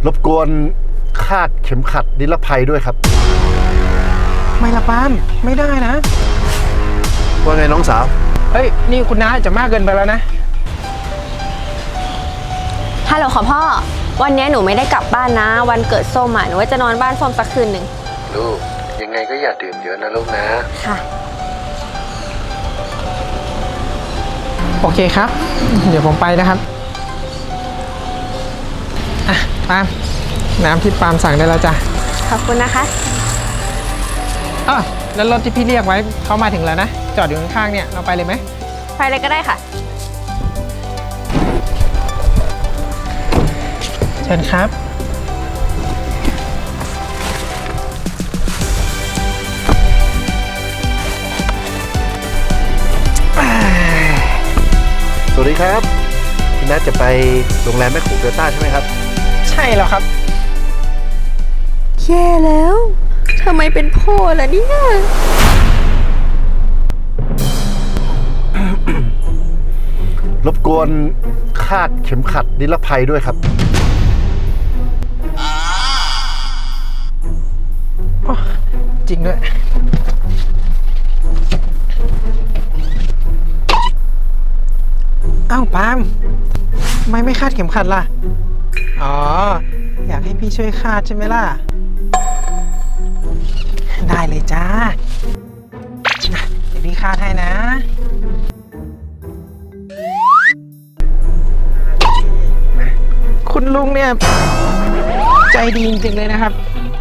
รบกวนคาดเข็มขัดนิรภัยด้วยครับไม่ละปาล์มไม่ได้นะว่าไงน้องสาวเฮ้ยนี่คุณน้าจะมากเกินไปแล้วนะฮัลโหลค่ะพ่อวันนี้หนูไม่ได้กลับบ้านนะวันเกิดส้มหนูว่าจะนอนบ้านส้มสักคืนหนึ่งลูกยังไงก็อย่าดื่มเยอะนะลูกนะค่ะโอเคครับเดี๋ยวผมไปนะครับอ่ะปาล์มน้ำที่ปาล์มสั่งได้แล้วจ้ะขอบคุณนะคะอ้าวแล้วรถที่พี่เรียกไว้เขามาถึงแล้วนะจอดอยู่ข้างๆเนี่ยเราไปเลยไหมไปเลยก็ได้ค่ะเชิญครับสวัสดีครับพี่นัทจะไปโรงแรมแม่โขงเดลต้าใช่ไหมครับใช่แล้วครับแย่แล้วทำไมเป็นพ่อล่ะเนี่ยรบกวนคาดเข็มขัดนิรภัยด้วยครับจริงด้วยอ้าวปาล์มทำไมไม่คาดเข็มขัดล่ะอ๋ออยากให้พี่ช่วยคาดใช่ไหมล่ะได้เลยจ้าเดี๋ยวพี่คาดให้นะคุณลุงเนี่ยใจดีจริงๆเลยนะครับ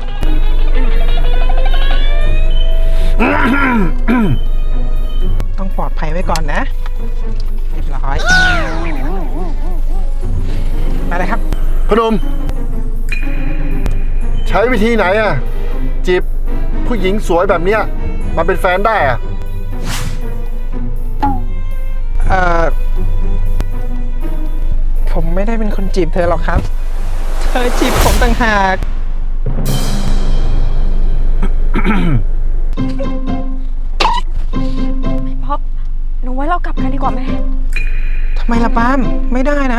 ต้องปลอดภัยไว้ก่อนนะเรียบร้อยมาเลยครับพนมใช้วิธีไหนอะจีบผู้หญิงสวยแบบเนี้ยมาเป็นแฟนได้อะผมไม่ได้เป็นคนจีบเธอหรอกครับเธอจีบผมต่างหากพ่อหนูว่าเรากลับกันดีกว่าไหมทำไมล่ะปาล์มไม่ได้นะ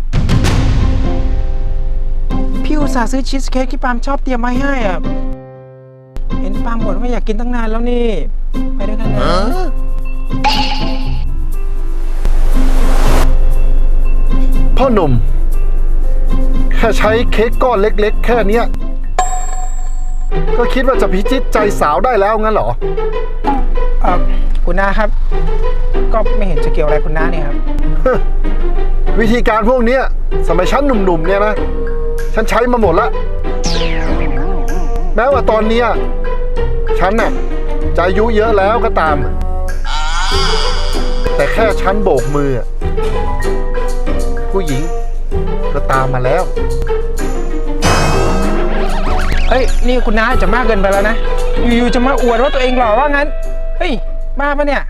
พี่อุตส่าห์ซื้อชีสเค้กที่ปาล์มชอบเตรียมไว้ให้อ่ะเห็นปาล์มบ่นว่าอยากกินตั้งนานแล้วนี่ไปด้วยกันนะพ่อหนุ่มแค่ใช้เค้กก้อนเล็กๆแค่เนี้ยก็คิดว่าจะพิชิตใจสาวได้แล้วงั้นเหรอคุณน้าครับก็ไม่เห็นจะเกี่ยวอะไรคุณน้าเนี่ยครับวิธีการพวกนี้สมัยฉันหนุ่มๆเนี่ยนะฉันใช้มาหมดละแม้ว่าตอนนี้ฉันน่ะจะอายุเยอะแล้วก็ตามแต่แค่ฉันโบกมือผู้หญิงก็ตามมาแล้วเฮ้ยนี่คุณน้าจะมากเกินไปแล้วนะอยู่ๆจะมาอวดว่าตัวเองหล่อว่างั้นเฮ้ยบ้าปะเนี่ย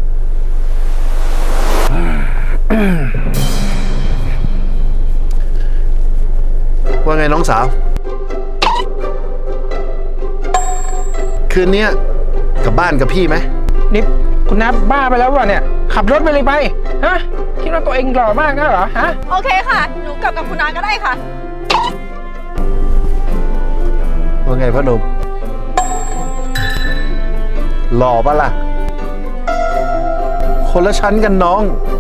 ว่าไงน้องสาวคืนนี้กลับบ้านกับพี่ไหมนี่คุณน้าบ้าไปแล้ววะเนี่ยขับรถไปเลยไปฮะคิดว่าตัวเองหล่อมากนะเหรอฮะโอเคค่ะหนูกลับกับคุณน้าก็ได้ค่ะว่าไงพ่อหนุ่มหล่อปะล่ะคนละชั้นกันน้อง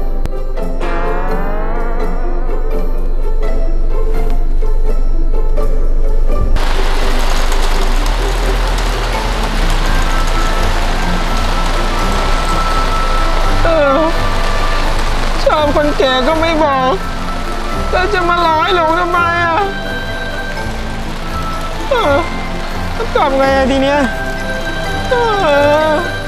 ชอบคนแก่ก็ไม่บอกแล้วจะมาร้อยหลงทำไมจะทำไงทีเนี้ย